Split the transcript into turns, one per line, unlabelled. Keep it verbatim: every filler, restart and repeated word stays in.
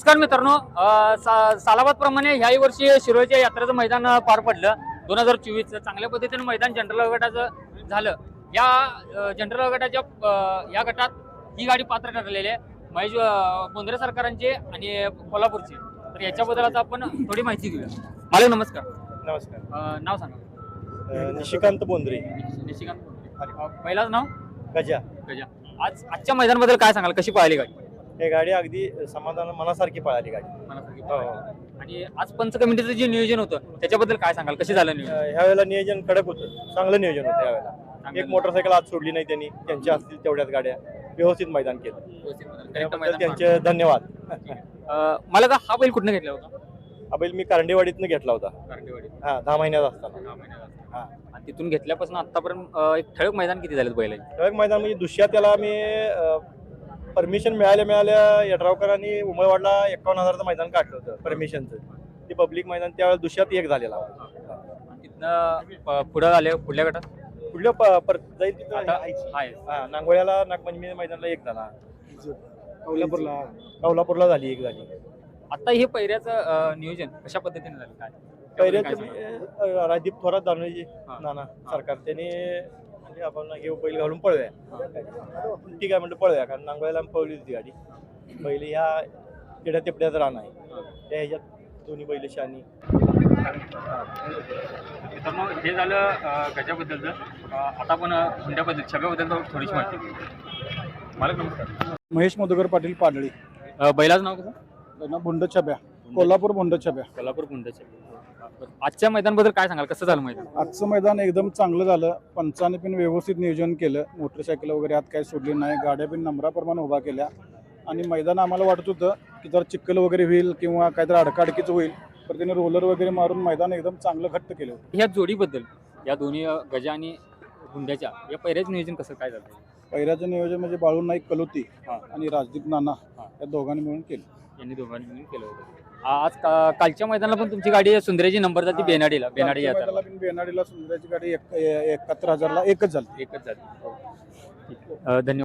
नमस्कार मित्रांनो, अ, सा, सालाबाद प्रमाणे ह्याही वर्षी शिरोळच्या यात्रेचं मैदान पार पडलं. दोन हजार चोवीस चांगल्या पद्धतीने मैदान जनरल गटाचं झालं. या अ, जनरल गटाच्या अ, या गटात ही गाडी पात्र ठरलेली आहे महेश अ, बोंद्रे सरकारांची आणि कोल्हापूरची. तर याच्याबद्दल आता आपण थोडी माहिती घेऊया. मालक नमस्कार.
नमस्कार.
अ, नाव सांगा.
अ, निशिकांत बोंद्रे.
निशिकांत बोंद्रे. अ, पहिलाच नाव
गजा.
गजा. आज आजच्या मैदानाबद्दल काय सांगाल, कशी पळाली गाडी?
हे गाडी अगदी समाधान मनासारखी पळाली गाडी.
मनासारखी
हो.
पळाली. आणि आज पंच कमिटीचं जे नियोजन होतं त्याच्याबद्दल काय सांगाल, कशी झालं
अ,
नियोजन?
ह्या वेळेला नियोजन कडक होतं, चांगलं नियोजन होतं यावेळेला.
चांगलं
एक मोटरसायकल आज सोडली नाही त्यांनी, त्यांच्या असतील तेवढ्याच गाड्या व्यवस्थित मैदान केलं.
व्यवस्थित मैदान, correct
त्याबद्दल
मैदान
त्यांचे
पार
धन्यवाद.
पडलं. अ, मला का हा बैल कुठनं घेतला होता?
हा बैल मी कारंडेवाडीतनं घेतला होता.
कारंडेवाडी.
हा दहा महिन्यात असताना.
दहा महिन्यात असताना.
हा
आणि तिथून घेतल्यापासून आतापर्यंत अ, एक ठळक मैदान किती झालेत बैलांची?
ठळक मैदान म्हणजे दुसऱ्या त्याला मी परमिशन मिळाल्या मिळाल्या यड्रावकरांनी उमळवाडला एकावन्न हजारचं मैदान काढलं होतं परमिशनचं. ते पब्लिक मैदान त्यावेळेला दुसऱ्यात एक झालेला.
आणि तिथनं प- पुढं आले पुढल्या गटात
पुढल्या प- परत जाईल तिथं
आता
आहे.
आहे.
हा नांगोळ्याला नागपंचमी मैदानाला एक झाला. कोल्हापूरला कोल्हापूरला झाली एक झाली.
आता हे पहिऱ्याचं अ, नियोजन कशा पद्धतीने झालं काय?
पहिल्याचं
काय
मी, अ, राजदीप थोरात दानवेजी
हा.
नाना सरकार त्याने म्हणजे आपण हे बैल घालून पळूया. ठीक आहे म्हणलं पळूया, कारण नांगोळ्याला आम्ही पळली होती गाडी. बैल ह्या तेड्या तेपड्यात रान आहे त्या ह्याच्यात दोन्ही बैल शानी.
मित्रांनो, हे झालं अ, गजाबद्दलचं. अ, आता आपण अ, हुंड्याबद्दल छब्याबद्दल थोडीशी माहिती घेऊ. मालक नमस्कार.
महेश मधुकर पाटील पाडळी.
अ, बैलाचं नाव कसं?
त्यांना बुंड छब्या, कोल्हापूर बुंड छब्या.
कोल्हापूर गुंडाचे. आजच्या मैदानाबद्दल काय सांगाल, कसं झालं मैदान?
आजचं मैदान एकदम चांगलं झालं. पंचाने पण व्यवस्थित नियोजन केलं. मोटरसायकल वगैरे आत काही सोडली नाही. गाड्या पण नंबराप्रमाणे उभा केल्या. आणि मैदान आम्हाला वाटत होतं की जर चिखल वगैरे होईल किंवा काहीतरी अडकाडकीचं होईल, तर त्याने रोलर वगैरे मारून मैदान एकदम चांगलं घट्ट केलं होतं.
ह्या जोडीबद्दल, या दोन्ही अ, गजा आणि गुंड्याच्या या पहिल्याच नियोजन कसं काय झालं?
पहिल्याचं नियोजन म्हणजे बाळू नाईक कलोती
हां.
आणि राजदीप नाना
हां.
या दोघांनी मिळून केलं.
यांनी दोघांनी मिळून केलं होतं. आज का- कालच्या मैदानाला पण तुमची गाडी सुंदरेची नंबर जाते बेनाडीला बेनाडी
कालच्या
यात्रा
मैदानाला पण बेनाडीला सुंदराची गाडी एक- एकाहत्तर हजारला एकच झाली.
एकच जाते. ठीक आहे. अ, धन्यवाद.